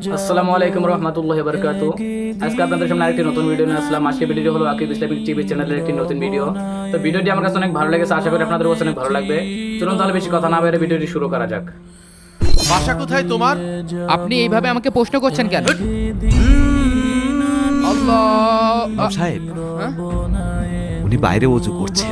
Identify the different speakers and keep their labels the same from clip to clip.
Speaker 1: আসসালামু আলাইকুম রহমতুল্লাহি ওয়া বারাকাতুহু। আজকে আপনাদের সামনে আরেকটি নতুন ভিডিও নিয়ে আসলাম। আজকে ভিডিওটি হলো আকিব ইসলামিক টিভি চ্যানেলের একটি নতুন ভিডিও। তো ভিডিওটি আমার কাছে অনেক ভালো লেগেছে, আশা করি আপনাদের কাছে অনেক ভালো লাগবে। চলুন তাহলে বেশি কথা না বলে ভিডিওটি শুরু করা যাক।
Speaker 2: বাসা কোথায় তোমার?
Speaker 3: আপনি এইভাবে আমাকে প্রশ্ন করছেন কেন? আল্লাহ
Speaker 4: সাহেব,
Speaker 3: হ্যাঁ?
Speaker 4: উনি বাইরে ওযু করছেন।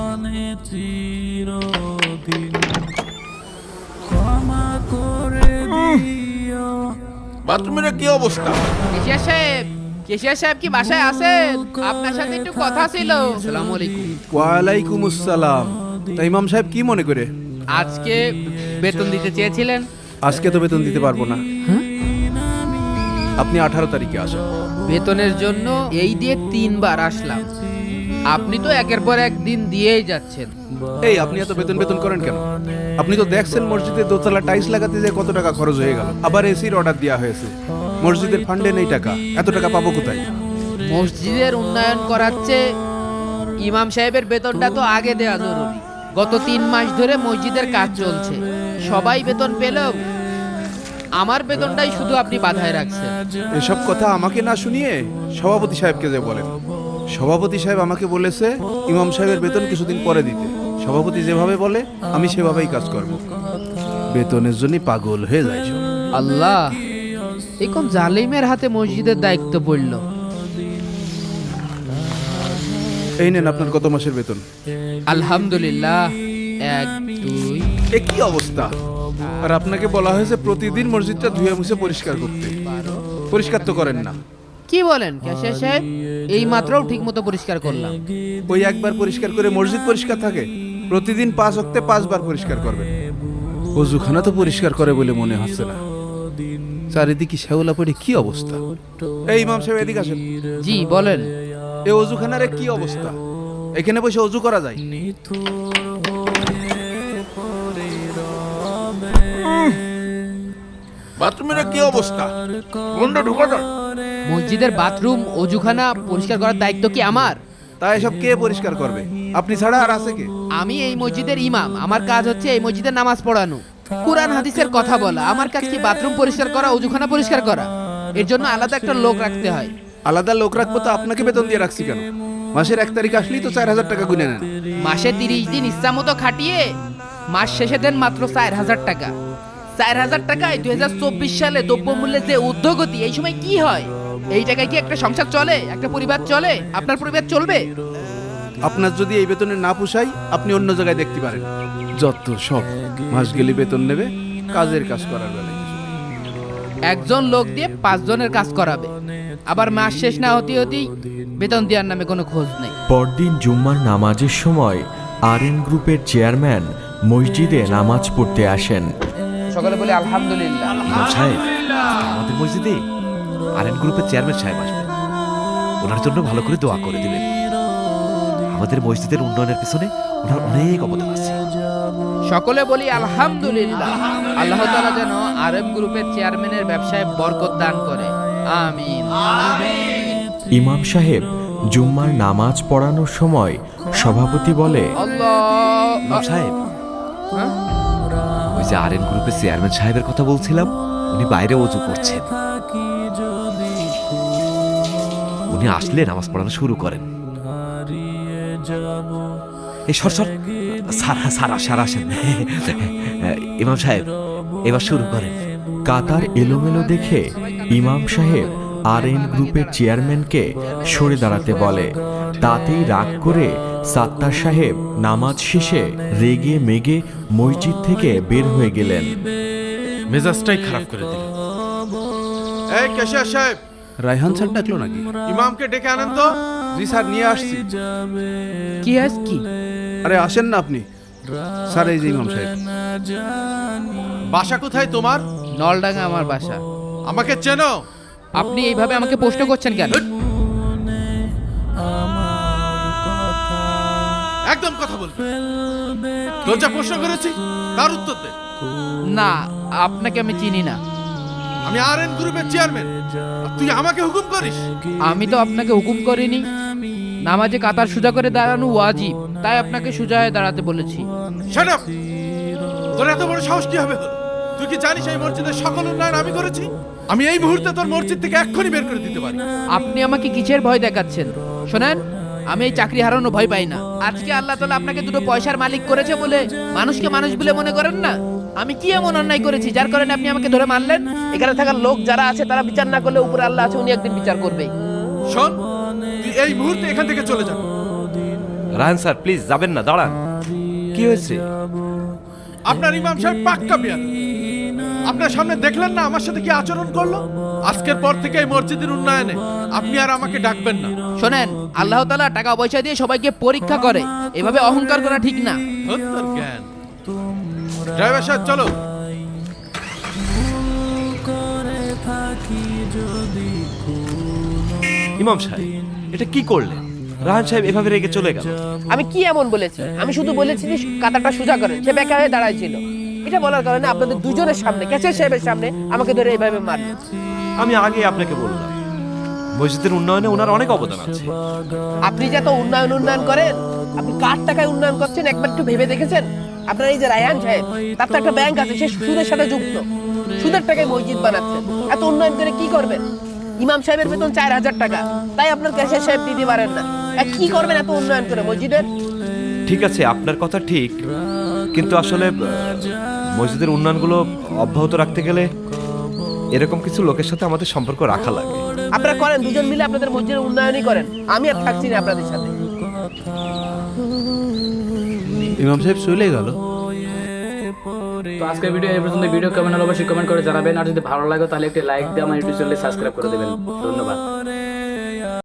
Speaker 2: বাথরুমের কি অবস্থা?
Speaker 3: কেশিয়া সাহেব কি বাসায় আছেন? আপনার সাথে একটু কথা ছিল। আসসালামু আলাইকুম।
Speaker 5: ওয়ালাইকুম আসসালাম। তা ইমাম সাহেব কি মনে করে?
Speaker 3: আজকে বেতন দিতে চেয়েছিলেন?
Speaker 5: আজকে তো বেতন দিতে পারবো না। আপনি 18 তারিখে আসেন।
Speaker 3: বেতনের জন্য এই দিয়ে 3 বার আসলাম। আপনি তো একের পর এক দিন দিয়েই যাচ্ছেন।
Speaker 5: এই আপনি এত বেতন বেতন করেন কেন? আপনি তো দেখছেন মসজিদে দোতলা টাইলস লাগাতে যে কত টাকা খরচ হয়ে গেল, আবার এসির অর্ডার দেওয়া হয়েছে। মসজিদের ফান্ডে নেই টাকা, এত টাকা পাবো কোথায়?
Speaker 3: মসজিদের উন্নয়ন করাচ্ছে, ইমাম সাহেবের বেতনটা তো আগে দেওয়া জরুরি। গত 3 মাস ধরে মসজিদের কাজ চলছে, সবাই বেতন পেলেও আমার বেতনটাই শুধু আপনি বাধায় রাখছেন।
Speaker 5: এসব কথা আমাকে না শুনিয়ে সভাপতি সাহেবকে যে বলেন। সভাপতি সাহেব আমাকে বলেছে ইমাম সাহেবের বেতন কিছুদিন পরে দিতে। সভাপতি যেভাবে বলে আমি সেভাবেই কাজ করব। বেতনের জন্য পাগল হয়ে যায় সব।
Speaker 3: আল্লাহ, এখন জালিমের হাতে মসজিদের দায়িত্ব পড়ল।
Speaker 5: এই নেন আপনার গত মাসের বেতন।
Speaker 3: আলহামদুলিল্লাহ। 1 2
Speaker 5: এ কি অবস্থা! আর আপনাকে বলা হয়েছে প্রতিদিন মসজিদটা ধুয়ে মুছে পরিষ্কার করতে। পরিষ্কার তো করেন না।
Speaker 3: কি বলেন ক্যাশিয়ার সাহেব? এই মাত্রও ঠিক মতো পরিষ্কার করলাম।
Speaker 5: ওই একবার পরিষ্কার করে মসজিদ পরিষ্কার থাকে? প্রতিদিন 5 ওয়াক্তে 5 বার পরিষ্কার করবেন। ওযুখানা তো পরিষ্কার করে বলে মনে হচ্ছে না। চারিদিকে শ্যাওলা পড়ে কি অবস্থা! এই ইমাম সাহেব এদিকে আসেন।
Speaker 3: জি বলেন।
Speaker 5: এই ওযুখানার কি অবস্থা! এখানে বসে ওযু করা যায়?
Speaker 2: বাথরুমের কি অবস্থা? কোনটা ঢোকা যায়?
Speaker 3: মসজিদের বাথরুম ওযুখানা পরিষ্কার করার দায়িত্ব কি আমার?
Speaker 5: তা এসব কে পরিষ্কার করবে? আপনি ছাড়া আর আছে কে?
Speaker 3: আমি এই মসজিদের ইমাম, আমার কাজ হচ্ছে এই মসজিদে নামাজ পড়ানো, কুরআন হাদিসের কথা বলা। আমার কাজ কি বাথরুম পরিষ্কার করা, ওযুখানা পরিষ্কার করা? এর জন্য আলাদা একটা লোক রাখতে হয়।
Speaker 5: আলাদা লোক রাখবো তো আপনাকে বেতন দিয়ে রাখছি কেন? মাসের 1 তারিখ আসলেই তো 4000 টাকা গুনে নেন।
Speaker 3: মাসে 30 দিন ইচ্ছা মতো খাটিয়ে মাস শেষে দেন মাত্র 4000 টাকা। 4000 টাকায় 2024 সালে দ্রব্যমূল্যের যে ঊর্ধ্বগতি, এই সময় কি হয়? এই টাকায় কি একটা সংসার চলে, একটা পরিবার চলে? আপনার পরিবার চলবে?
Speaker 5: আপনার যদি এই বেতনে না পোষায় আপনি অন্য জায়গায় দেখতে পারেন। যত সব মাস গেলে বেতন নেবে, কাজের কাজ করার বেলায়
Speaker 3: একজন লোক দিয়ে 5 জনের কাজ করাবে, আবার মাস শেষ না হতে হতেই বেতন দেওয়ার নামে কোনো খোঁজ নেই।
Speaker 6: পরদিন জুম্মার নামাজের সময় আরএন গ্রুপের চেয়ারম্যান মসজিদে নামাজ পড়তে আসেন।
Speaker 3: সকালে বলি আলহামদুলিল্লাহ।
Speaker 4: ইমাম সাহেব, আমাদের মসজিদে আরএন গ্রুপের চেয়ারম্যান সাহেব আসবেন। ওনার জন্য ভালো করে দোয়া করে দিবেন। আমাদের মসজিদের উন্নয়নের পিছনে ওনার অনেক অবদান আছে।
Speaker 3: সকলে বলি আলহামদুলিল্লাহ। আল্লাহ তাআলা যেন আরএম গ্রুপের চেয়ারম্যানের ব্যবসায় বরকত দান করে। আমিন।
Speaker 6: ইমাম সাহেব জুম্মার নামাজ পড়ানোর সময় সভাপতি বলে,
Speaker 3: আল্লাহ।
Speaker 4: ইমাম সাহেব,
Speaker 3: হ্যাঁ?
Speaker 4: ওই যে আরএন গ্রুপের চেয়ারম্যান সাহেবের কথা বলছিলাম, উনি বাইরে ওযু করছেন। উনি আসলে নামাজ পড়ানো শুরু করেন। এই সর সর, সারা আসেন। ইমাম সাহেব এবার শুরু করেন।
Speaker 6: কাতার এলোমেলো দেখে ইমাম সাহেব আরএন গ্রুপের চেয়ারম্যানকে সরে দাঁড়াতে বলে। তাতেই রাগ করে সাত্তার সাহেব নামাজ শেষে রেগে মেগে মসজিদ থেকে বের হয়ে গেলেন।
Speaker 2: মেজাজটাই খারাপ করে দিল। এই ক্যাশিয়ার সাহেব,
Speaker 5: রায়হান স্যার ডাকলো নাকি?
Speaker 2: ইমামকে ডেকে আনেন তো।
Speaker 5: জি স্যার, নিয়ে আসছি।
Speaker 3: কি আজ কি?
Speaker 5: আরে আসেন না আপনি। স্যার এই যে ইমাম সাহেব।
Speaker 2: বাসা কোথায় তোমার?
Speaker 3: নলডাঙ্গা আমার বাসা।
Speaker 2: আমাকে চেনো?
Speaker 3: আপনি এইভাবে আমাকে প্রশ্ন করছেন কেন?
Speaker 2: একদম কথা বলবে। তোর যা প্রশ্ন করেছি তার উত্তর দে।
Speaker 3: না, আপনাকে আমি চিনি না।
Speaker 2: আমি আরএন গ্রুপের চেয়ারম্যান, আর তুই আমাকে হুকুম করিস?
Speaker 3: আমি তো আপনাকে হুকুম করিনি। নামাজে কাতার সোজা করে দাঁড়ানো ওয়াজিব, তাই আপনাকে সোজা হয়ে দাঁড়াতে বলেছি।
Speaker 2: Shut up! তোর এত বড় সাহস কি হবে? তুই কি জানিস এই মসজিদের সকল উন্নয়ন আমি করেছি? আমি এই মুহূর্তে তোর মসজিদ থেকে এক্ষুনি বের করে দিতে পারি।
Speaker 3: আপনি আমাকে কিসের ভয় দেখাচ্ছেন? শোনেন, আমি এই চাকরি হারানো ভয় পাই না। আজকে আল্লাহ তাআলা আপনাকে দুটো পয়সার মালিক করেছে বলে মানুষকে মানুষ বলে মনে করেন না? আমি কি এমন অন্যায় করেছি যার কারণে আপনি আমাকে ধরে মারলেন? এখানে থাকার লোক যারা আছে তারা বিচার না করলে উপরে আল্লাহ আছে, উনি একদিন বিচার করবে।
Speaker 2: শোন, তুই এই মুহূর্তে এখান থেকে চলে যা।
Speaker 4: রায়হান স্যার প্লিজ যাবেন না, দাঁড়ান। কি হয়েছে?
Speaker 2: আপনার ইমাম সাহেব পাক্কা বিয়াদ। আপনার সামনে দেখলেন না আমার সাথে কি আচরণ করলো? আজকের পর থেকে এই মসজিদের উন্নয়নে আপনি আর আমাকে ডাকবেন না।
Speaker 3: শোনেন, আল্লাহ তাআলা টাকা পয়সা দিয়ে সবাইকে পরীক্ষা করে, এভাবে অহংকার করা ঠিক না।
Speaker 2: ধুত্তর জ্ঞান। ড্রাইভার সাহেব চলো।
Speaker 4: ইমাম সাহেব এটা কি করলেন? রায়হান সাহেব এভাবে রেগে চলে গেল।
Speaker 3: আমি কি এমন বলেছি? আমি শুধু বলেছি যে কাঁটাটা সোজা করেন। সে বেকা হয়ে দাঁড়াইছিল। এটা বলার কারণে আপনাদের দুজনের সামনে, ক্যাচের সাহেবের সামনে আমাকে ধরে এইভাবে মারলেন।
Speaker 4: আমি আগে আপনাকে বললাম মসজিদের উন্নয়নে ওনার অনেক অবদান আছে।
Speaker 3: আপনি যে এত উন্নয়ন করেন, আপনি কার টাকায় উন্নয়ন করছেন একবার একটু ভেবে দেখেছেন? আপনার এই যে রায়হান সাহেব, তার তো একটা ব্যাংক আছে, সে সুদের সাথে যুক্ত। সুদের টাকায় মসজিদ বানাচ্ছেন। এত উন্নয়ন করে কি করবেন? ইমাম সাহেবের বেতন 4000 টাকা, তাই আপনার ক্যাশের সাহেব দিতে পারেন না। কি করবেন এত উন্নয়ন করে মসজিদের?
Speaker 4: ঠিক আছে, আপনার কথা ঠিক, কিন্তু আসলে মসজিদের উন্নয়নগুলো অব্যাহত রাখতে গেলে এরকম কিছু লোকের সাথে আমাদের সম্পর্ক রাখা লাগে।
Speaker 3: আপনারা করেন, দুজন মিলে আপনাদের মসজিদের উন্নয়নই করেন। আমি আর থাকছি না আপনাদের সাথে।
Speaker 5: ইমাম সাহেব চলে গেল।
Speaker 1: তো আজকের ভিডিও এই পর্যন্ত। ভিডিও কেমন হলো অবশ্যই কমেন্ট করে জানাবেন, আর যদি ভালো লাগে তাহলে একটি লাইক দিয়ে আমার ইউটিউব চ্যানেলে সাবস্ক্রাইব করে দেবেন। ধন্যবাদ।